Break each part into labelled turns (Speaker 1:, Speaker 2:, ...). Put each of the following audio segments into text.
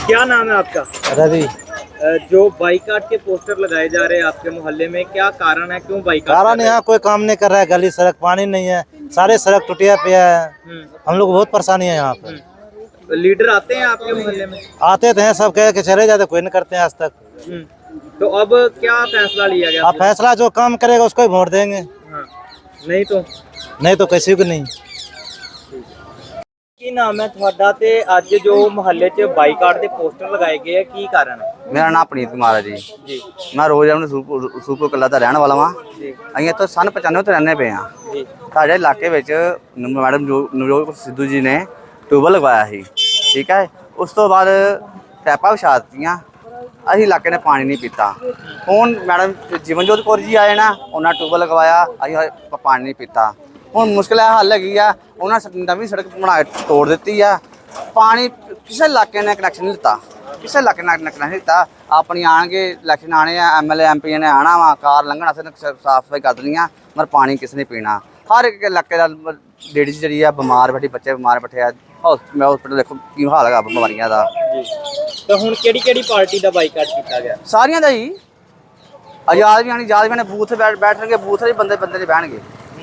Speaker 1: क्या नाम है आपका?
Speaker 2: रवि।
Speaker 1: जो बाइकाट के पोस्टर लगाए जा रहे हैं आपके मोहल्ले में, क्या कारण है, क्यों बाइकाट कर
Speaker 2: कारण
Speaker 1: रहे हैं?
Speaker 2: यहाँ कोई काम नहीं कर रहा है, गली सड़क पानी नहीं है, सारे सड़क टूटिया पिया है। हम लोग बहुत परेशानी है यहाँ पे।
Speaker 1: लीडर आते हैं आपके मोहल्ले में?
Speaker 2: आते थे सब कह के चले जाते, कोई नहीं करते हैं आज तक।
Speaker 1: तो अब क्या फैसला लिया गया?
Speaker 2: आप फैसला जो काम करेगा उसको ही वोट देंगे।
Speaker 1: हाँ, नहीं तो
Speaker 2: किसी को नहीं।
Speaker 1: ਕੀ ਨਾਮ ਹੈ ਤੁਹਾਡਾ ਤੇ ਅੱਜ ਜੋ ਮੁਹੱਲੇ 'ਚ ਬਾਈਕਾਟ ਦੇ ਪੋਸਟਰ ਲਗਾਏ ਗਏ ਆ, ਕੀ ਕਾਰਨ ਹੈ?
Speaker 3: मेरा नाम प्रणीत कुमार है जी।
Speaker 1: ਜੀ
Speaker 3: मैं रोज अपने सूपुर कला का रहने वाला हाँ।
Speaker 1: ਜੀ
Speaker 3: ਅਸੀਂ ਇੱਥੋਂ ਸਨ 95 ਤੋਂ ਰਹਿੰਦੇ ਪਏ ਹਾਂ।
Speaker 1: ਜੀ
Speaker 3: ਸਾਡੇ ਇਲਾਕੇ ਵਿੱਚ ਮੈਡਮ ਨਵਜੋਤ ਸਿੱਧੂ ਜੀ ਨੇ ਟਿਊਬਲ ਲਗਵਾਇਆ ਸੀ, ਠੀਕ ਹੈ। ਉਸ ਤੋਂ ਬਾਅਦ ਪੈਪਾਂ ਵਿਛਾ ਦਿੱਤੀਆਂ, ਅਸੀਂ ਇਲਾਕੇ ਨੇ ਪਾਣੀ ਨਹੀਂ ਪੀਤਾ। ਹੁਣ ਮੈਡਮ ਜੀਵਨਜੋਤ ਕੌਰ ਜੀ ਆਏ ਨਾ, ਉਹਨਾਂ ਟਿਊਬਲ ਲਗਵਾਇਆ, ਅਸੀਂ ਪਾਣੀ ਨਹੀਂ ਪੀਤਾ। ਹੁਣ ਮੁਸ਼ਕਿਲ ਹੱਲ ਹੈਗੀ ਆ, ਉਹਨਾਂ ਨਵੀਂ ਸੜਕ ਬਣਾ ਕੇ ਤੋੜ ਦਿੱਤੀ ਆ। ਪਾਣੀ ਕਿਸੇ ਇਲਾਕੇ ਨੇ ਕਨੈਕਸ਼ਨ ਨਹੀਂ ਦਿੱਤਾ, ਕਿਸੇ ਇਲਾਕੇ ਨਾਲ ਕਨੈਕਸ਼ਨ ਨਹੀਂ ਦਿੱਤਾ। ਆਪਣੀ ਆਣਗੇ ਇਲੈਕਸ਼ਨ ਆਣੇ ਆ, ਐਮਐਲਏ ਐਮਪੀ ਨੇ ਆਣਾ ਵਾ, ਕਾਰ ਲੰਘਣਾ ਸੇ ਸਾਫ ਸਫਾਈ ਕਰ ਦੇਣੀ ਆ, ਮਰ ਪਾਣੀ ਕਿਸ ਨੇ ਪੀਣਾ। ਹਰ ਇੱਕ ਇਲਾਕੇ ਦਾ ਲੇਡੀਜ਼ ਜਿਹੜੀ ਆ ਬਿਮਾਰ ਬੈਠੀ, ਬੱਚੇ ਬਿਮਾਰ ਬੈਠੇ ਆ। ਹਸਪੀਟਲ ਦੇਖੋ ਕੀ ਹਾਲ ਹੈਗਾ ਬਿਮਾਰੀਆਂ ਦਾ।
Speaker 1: ਜੀ ਤਾਂ ਹੁਣ ਕਿਹੜੀ ਪਾਰਟੀ ਦਾ ਬਾਈਕਾਟ ਕੀਤਾ ਗਿਆ?
Speaker 3: ਸਾਰੀਆਂ ਦਾ ਹੀ ਆਜ਼ਾਦ ਵੀ ਆਣੀ, ਆਜ਼ਾਦ ਵੀ ਨੇ ਬੂਥ ਬੈਠਣਗੇ, ਬੂਥ ਦੇ ਬੰਦੇ ਨਹੀਂ ਬਹਿਣਗੇ।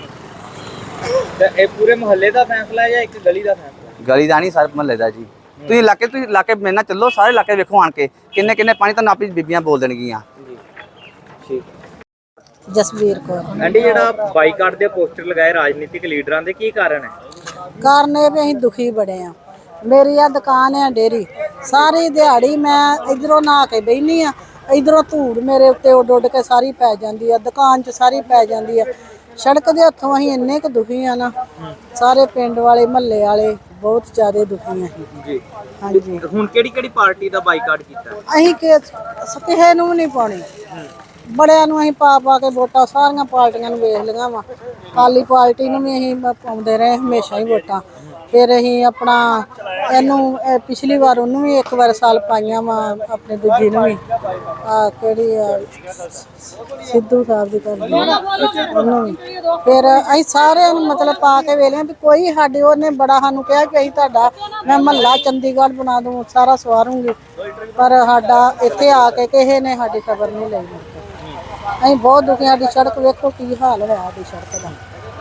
Speaker 1: ਤਾਂ ਇਹ ਪੂਰੇ ਮੁਹੱਲੇ ਦਾ ਫੈਸਲਾ ਹੈ ਜਾਂ ਇੱਕ ਗਲੀ ਦਾ ਫੈਸਲਾ?
Speaker 3: ਗਲੀ ਦਾ ਨਹੀਂ, ਸਾਰੇ ਮਹੱਲੇ ਦਾ ਜੀ। ਤੁਸੀਂ ਇਲਾਕੇ ਮੇਰੇ ਨਾਲ ਚੱਲੋ, ਸਾਰੇ ਇਲਾਕੇ ਵੇਖੋ ਆਣ ਕੇ ਕਿੰਨੇ ਪਾਣੀ ਤਾਂ ਆਪਣੀ ਬੀਬੀਆਂ ਬੋਲ ਦੇਣਗੀਆਂ।
Speaker 1: ਜੀ ਠੀਕ।
Speaker 4: ਜਸਵੀਰ ਕੌਰ।
Speaker 1: ਆਂਟੀ, ਜਿਹੜਾ ਬਾਈਕਾਟ ਦੇ ਪੋਸਟਰ ਲਗਾਏ ਰਾਜਨੀਤਿਕ ਲੀਡਰਾਂ ਦੇ, ਕੀ ਕਾਰਨ ਹੈ?
Speaker 4: ਕਾਰਨ ਇਹ ਵੀ ਅਸੀਂ ਦੁਖੀ ਬੜੇ ਆ। ਮੇਰੀ ਆ ਦੁਕਾਨ ਆ ਡੇਰੀ, ਸਾਰੀ ਦਿਹਾੜੀ ਮੈਂ ਇਧਰੋਂ ਨਹਾ ਕੇ ਬਹਿਨੀ ਆ, ਇਧਰੋਂ ਧੂੜ ਮੇਰੇ ਉੱਤੇ ਉੱਡ ਕੇ ਸਾਰੀ ਪੈ ਜਾਂਦੀ ਆ, ਦੁਕਾਨ 'ਚ ਸਾਰੀ ਪੈ ਜਾਂਦੀ ਆ। ਸੜਕ ਦੇ ਹੱਥੋਂ ਅਸੀਂ ਇੰਨੇ ਕੁ ਦੁਖੀ ਆ ਨਾ, ਸਾਰੇ ਪਿੰਡ ਵਾਲੇ ਮਹੱਲੇ ਵਾਲੇ ਬਹੁਤ ਜ਼ਿਆਦਾ ਦੁਖੀ ਆ
Speaker 1: ਜੀ
Speaker 4: ਹਾਂਜੀ।
Speaker 1: ਹੁਣ ਕਿਹੜੀ ਪਾਰਟੀ ਦਾ ਬਾਈਕਾਟ ਕੀਤਾ?
Speaker 4: ਅਸੀਂ ਕਿਸੇ ਨੂੰ ਵੀ ਨਹੀਂ ਪਾਉਣੀ, ਬੜਿਆਂ ਨੂੰ ਅਸੀਂ ਪਾ ਕੇ ਵੋਟਾਂ ਸਾਰੀਆਂ ਪਾਰਟੀਆਂ ਨੂੰ ਵੇਖ ਲਈਆਂ ਵਾ। ਅਕਾਲੀ ਪਾਰਟੀ ਨੂੰ ਵੀ ਅਸੀਂ ਪਾਉਂਦੇ ਰਹੇ ਹਮੇਸ਼ਾ ਹੀ ਵੋਟਾਂ। ਫਿਰ ਅਸੀਂ ਆਪਣਾ ਇਹਨੂੰ ਪਿਛਲੀ ਵਾਰ ਉਹਨੂੰ ਵੀ ਇੱਕ ਵਾਰ ਸਾਲ ਪਾਈਆਂ ਵਾ, ਆਪਣੇ ਦੂਜੀ ਨੂੰ ਵੀ ਕਿਹੜੀ ਸਿੱਧੂ ਸਾਹਿਬ ਦੀ ਕਰਦੀ ਉਹਨੂੰ ਵੀ। ਫਿਰ ਅਸੀਂ ਸਾਰਿਆਂ ਨੂੰ ਮਤਲਬ ਪਾ ਕੇ ਵੇਖ ਲਿਆ ਵੀ ਕੋਈ ਸਾਡੇ, ਉਹਨੇ ਬੜਾ ਸਾਨੂੰ ਕਿਹਾ ਕਿ ਅਸੀਂ ਤੁਹਾਡਾ ਮੈਂ ਮਹੱਲਾ ਚੰਡੀਗੜ੍ਹ ਬਣਾ ਦੂੰ, ਸਾਰਾ ਸਵਾਰੂੰਗੀ, ਪਰ ਸਾਡਾ ਇੱਥੇ ਆ ਕੇ ਕਿਸੇ ਨੇ ਸਾਡੀ ਖਬਰ ਨਹੀਂ ਲਈ। ਅਸੀਂ ਬਹੁਤ ਦੁਖੀ, ਸਾਡੀ ਸੜਕ ਵੇਖੋ ਕੀ ਹਾਲ ਹੋਇਆ ਸਾਡੀ ਸੜਕ ਦਾ।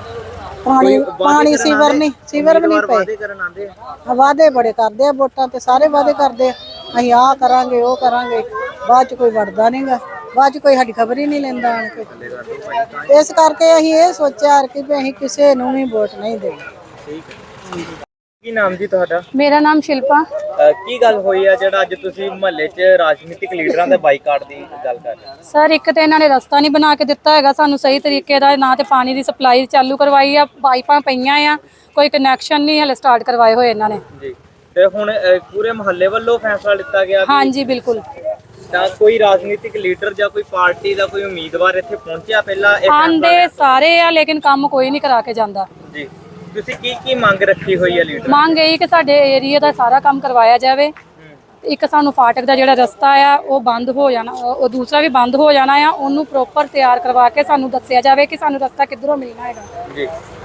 Speaker 4: ਪਾਣੀ ਸੀਵਰ ਵੀ ਨਹੀਂ ਪਏ। ਵਾਅਦੇ ਬੜੇ ਕਰਦੇ ਆ, ਵੋਟਾਂ ਤੇ ਸਾਰੇ ਵਾਅਦੇ ਕਰਦੇ ਆ, ਅਸੀਂ ਆਹ ਕਰਾਂਗੇ ਉਹ ਕਰਾਂਗੇ, ਬਾਅਦ ਚ ਕੋਈ ਵੜਦਾ ਨਹੀਂਗਾ, ਬਾਅਦ ਚ ਕੋਈ ਸਾਡੀ ਖਬਰ ਹੀ ਨਹੀਂ ਲੈਂਦਾ ਆਣ ਕੇ। ਇਸ ਕਰਕੇ ਅਸੀਂ ਇਹ ਸੋਚਿਆ ਕਿ ਅਸੀਂ ਕਿਸੇ ਨੂੰ ਵੀ ਵੋਟ ਨਹੀਂ ਦੇਣੀ।
Speaker 1: ਕੀ ਨਾਮ ਜੀ ਤੁਹਾਡਾ?
Speaker 5: ਮੇਰਾ ਨਾਮ ਸ਼ਿਲਪਾ।
Speaker 1: ਕੀ ਗੱਲ ਹੋਈ ਆ ਜਿਹੜਾ ਅੱਜ ਤੁਸੀਂ ਮੁਹੱਲੇ 'ਚ ਰਾਜਨੀਤਿਕ ਲੀਡਰਾਂ ਦੇ ਬਾਈਕਾਟ ਦੀ ਗੱਲ ਕਰ ਰਹੇ ਹੋ?
Speaker 5: ਸਰ, ਇੱਕ ਤਾਂ ਇਹਨਾਂ ਨੇ ਰਸਤਾ ਨਹੀਂ ਬਣਾ ਕੇ ਦਿੱਤਾ ਹੈਗਾ ਸਾਨੂੰ ਸਹੀ ਤਰੀਕੇ ਦਾ, ਨਾ ਤੇ ਪਾਣੀ ਦੀ ਸਪਲਾਈ ਚਾਲੂ ਕਰਵਾਈ ਆ, ਪਾਈਪਾਂ ਪਈਆਂ ਆ, ਕੋਈ ਕਨੈਕਸ਼ਨ ਨਹੀਂ ਹਲੇ ਸਟਾਰਟ ਕਰਵਾਏ ਹੋਏ ਇਹਨਾਂ ਨੇ।
Speaker 1: ਜੀ ਤੇ ਹੁਣ ਪੂਰੇ ਮੁਹੱਲੇ ਵੱਲੋਂ ਫੈਸਲਾ ਲਿੱਤਾ ਗਿਆ?
Speaker 5: ਹਾਂਜੀ ਬਿਲਕੁਲ।
Speaker 1: ਤਾਂ ਕੋਈ ਰਾਜਨੀਤਿਕ ਲੀਡਰ ਜਾਂ ਕੋਈ ਪਾਰਟੀ ਦਾ ਕੋਈ ਉਮੀਦਵਾਰ ਇੱਥੇ ਪਹੁੰਚਿਆ ਪਹਿਲਾਂ?
Speaker 5: ਆਂਦੇ ਸਾਰੇ ਆ ਲੇਕਿਨ ਕੰਮ ਕੋਈ ਨਹੀਂ ਕਰਾ ਕੇ ਜਾਂਦਾ।
Speaker 1: ਜੀ ਤੁਸੀਂ ਕੀ ਮੰਗ ਰੱਖੀ ਹੋਈ ਹੈ ਲੀਡਰ?
Speaker 5: ਮੰਗ ਇਹੀ ਕਿ ਸਾਡੇ ਏਰੀਆ ਦਾ ਸਾਰਾ ਕੰਮ ਕਰਵਾਇਆ ਜਾਵੇ। ਇੱਕ ਸਾਨੂੰ ਫਾਟਕ ਦਾ ਜਿਹੜਾ ਰਸਤਾ ਆ ਉਹ ਬੰਦ ਹੋ ਜਾਣਾ, ਉਹ ਦੂਸਰਾ ਵੀ ਬੰਦ ਹੋ ਜਾਣਾ ਆ, ਉਹਨੂੰ ਪ੍ਰੋਪਰ ਤਿਆਰ ਕਰਵਾ ਕੇ ਸਾਨੂੰ ਦੱਸਿਆ ਜਾਵੇ ਕਿ ਸਾਨੂੰ ਰਸਤਾ ਕਿੱਧਰੋਂ ਮਿਲਣਾ ਹੈਗਾ।
Speaker 1: ਜੀ